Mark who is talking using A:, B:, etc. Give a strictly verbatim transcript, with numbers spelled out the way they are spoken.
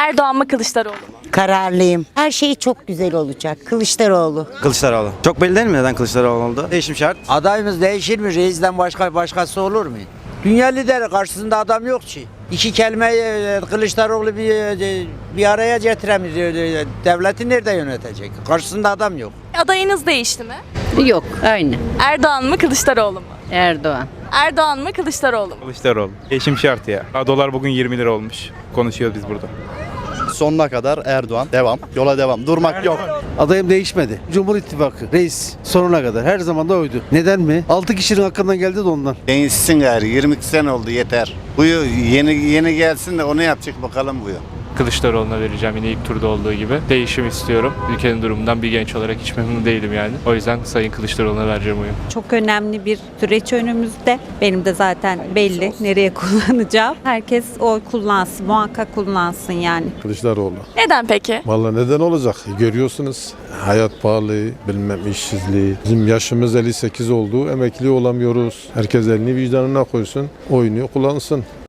A: Erdoğan mı Kılıçdaroğlu mu?
B: Kararlıyım. Her şey çok güzel olacak. Kılıçdaroğlu.
C: Kılıçdaroğlu. Çok belli değil mi neden Kılıçdaroğlu oldu? Değişim şart.
D: Adayımız değişir mi? Reisden başka başkası olur mu? Dünya lideri karşısında adam yok ki. İki kelimeyi e, Kılıçdaroğlu bir, e, bir araya getiremiyor. E, Devleti nerede yönetecek? Karşısında adam yok.
A: Adayınız değişti mi?
E: Yok, aynı.
A: Erdoğan mı Kılıçdaroğlu mu?
E: Erdoğan.
A: Erdoğan mı Kılıçdaroğlu mu?
F: Kılıçdaroğlu. Değişim şart ya. Dolar bugün yirmi lira olmuş. Konuşuyoruz biz burada.
G: Sonuna kadar Erdoğan. Devam. Yola devam. Durmak yok.
H: Adayım değişmedi. Cumhur İttifakı. Reis sonuna kadar. Her zaman da oydu. Neden mi? altı kişinin hakkından geldi de ondan.
I: Değişsin gari. yirmi iki sene oldu yeter. Bu yeni yeni gelsin de onu yapacak bakalım bu yıl.
J: Kılıçdaroğlu'na vereceğim yine ilk turda olduğu gibi. Değişim istiyorum. Ülkenin durumundan bir genç olarak hiç memnun değilim yani. O yüzden Sayın Kılıçdaroğlu'na vereceğim oyun.
K: Çok önemli bir süreç önümüzde. Benim de zaten belli nereye kullanacağım. Herkes oy kullansın, muhakkak kullansın yani.
L: Kılıçdaroğlu.
A: Neden peki?
L: Vallahi neden olacak? Görüyorsunuz hayat pahalı, bilmem işsizliği. Bizim yaşımız elli sekiz oldu. Emekli olamıyoruz. Herkes elini vicdanına koysun, oyunu kullansın.